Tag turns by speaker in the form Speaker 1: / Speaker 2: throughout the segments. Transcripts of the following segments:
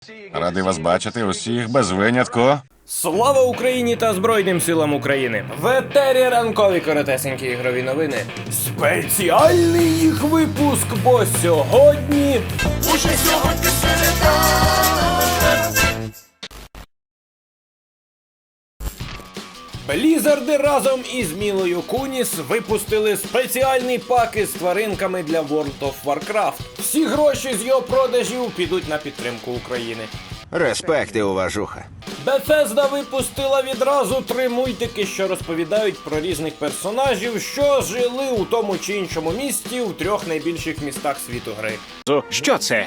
Speaker 1: Радий вас бачити усіх без винятку.
Speaker 2: Слава Україні та Збройним силам України! В етері ранкові коротесенькі ігрові новини. Спеціальний їх випуск, бо сьогодні...
Speaker 3: Уже сьогодні середа.
Speaker 2: Блізарди разом із Мілою Куніс випустили спеціальний пак із тваринками для World of Warcraft. Всі гроші з його продажів підуть на підтримку України.
Speaker 4: Респект і уважуха.
Speaker 2: Bethesda випустила відразу 3 мультики, що розповідають про різних персонажів, що жили у тому чи іншому місті у 3 найбільших містах світу гри.
Speaker 4: Що це?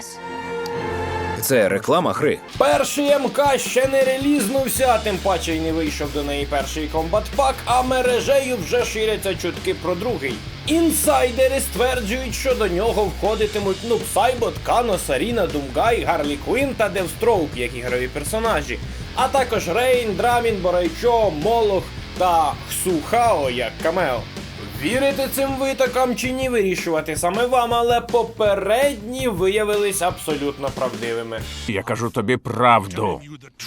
Speaker 4: Це реклама гри.
Speaker 2: Перший МК ще не релізнувся, а тим паче й не вийшов до неї перший комбат-пак, а мережею вже ширяться чутки про другий. Інсайдери стверджують, що до нього входитимуть Нуб Сайбот, Кано, Саріна, Думгай, Гарлі Квін та Девстроук як ігрові персонажі, а також Рейн, Драмін, Борайчо, Молох та Хсухао як камео. Вірити цим витокам чи ні, вирішувати саме вам, але попередні виявились абсолютно правдивими.
Speaker 5: Я кажу тобі правду.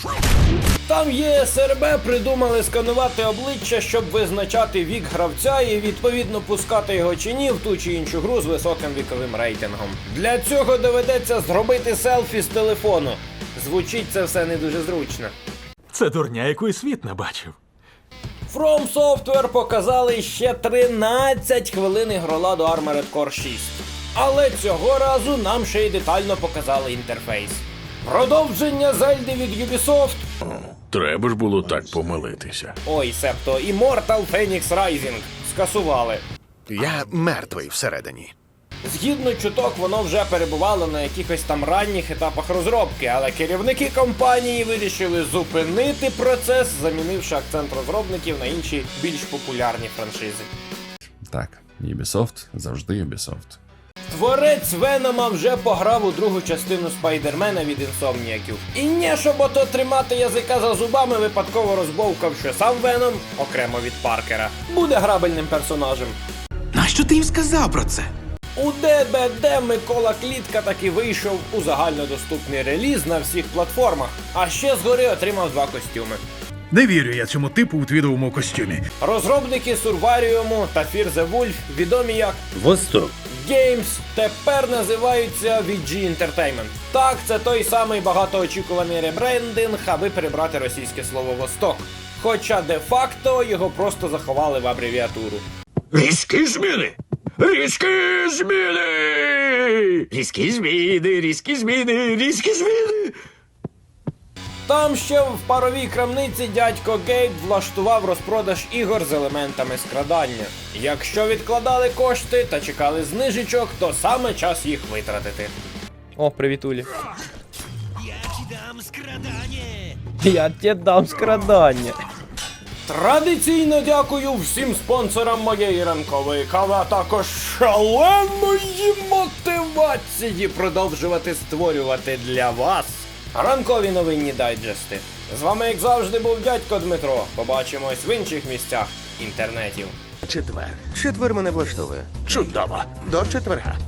Speaker 2: Там ЄСРБ придумали сканувати обличчя, щоб визначати вік гравця і відповідно пускати його чи ні в ту чи іншу гру з високим віковим рейтингом. Для цього доведеться зробити селфі з телефону. Звучить це все не дуже зручно.
Speaker 5: Це дурня, яку і світ не бачив.
Speaker 2: From Software показали ще 13 хвилин ігроладу Armored Core 6. Але цього разу нам ще й детально показали інтерфейс. Продовження Зельди від Ubisoft.
Speaker 6: Треба ж було так помилитися.
Speaker 2: Ой, себто Immortal Phoenix Rising скасували.
Speaker 4: Я мертвий всередині.
Speaker 2: Згідно чуток, воно вже перебувало на якихось там ранніх етапах розробки, але керівники компанії вирішили зупинити процес, замінивши акцент розробників на інші більш популярні франшизи.
Speaker 1: Так, Ubisoft завжди Ubisoft.
Speaker 2: Творець Венома вже пограв у другу частину Спайдермена від інсомніяків. І не щоб ото тримати язика за зубами, випадково розбовкав, що сам Веном, окремо від Паркера, буде грабельним персонажем.
Speaker 4: Нащо ти їм сказав про це?
Speaker 2: У ДБД Микола Клітка таки вийшов у загальнодоступний реліз на всіх платформах, а ще згори отримав 2 костюми.
Speaker 7: Не вірю я цьому типу у твідовому костюмі.
Speaker 2: Розробники Сурваріуму та Fear the Wolf, відомі як Восток Games, тепер називаються VG Entertainment. Так, це той самий багатоочікуваний ребрендинг, аби перебрати російське слово «Восток». Хоча де-факто його просто заховали в абревіатуру.
Speaker 6: Різкі зміни! Різкі зміни! Різкі зміни! Різкі зміни! Різкі зміни!
Speaker 2: Там ще в паровій крамниці дядько Гейб влаштував розпродаж ігор з елементами скрадання. Якщо відкладали кошти та чекали знижечок, то саме час їх витратити. О, привітулі. Я тебе дам скрадання. Традиційно дякую всім спонсорам моєї ранкової кави, а також шаленої мотивації продовжувати створювати для вас ранкові новинні дайджести. З вами, як завжди, був дядько Дмитро. Побачимось в інших місцях інтернетів.
Speaker 4: Четвер мене влаштовує.
Speaker 6: Чудово!
Speaker 4: До четверга.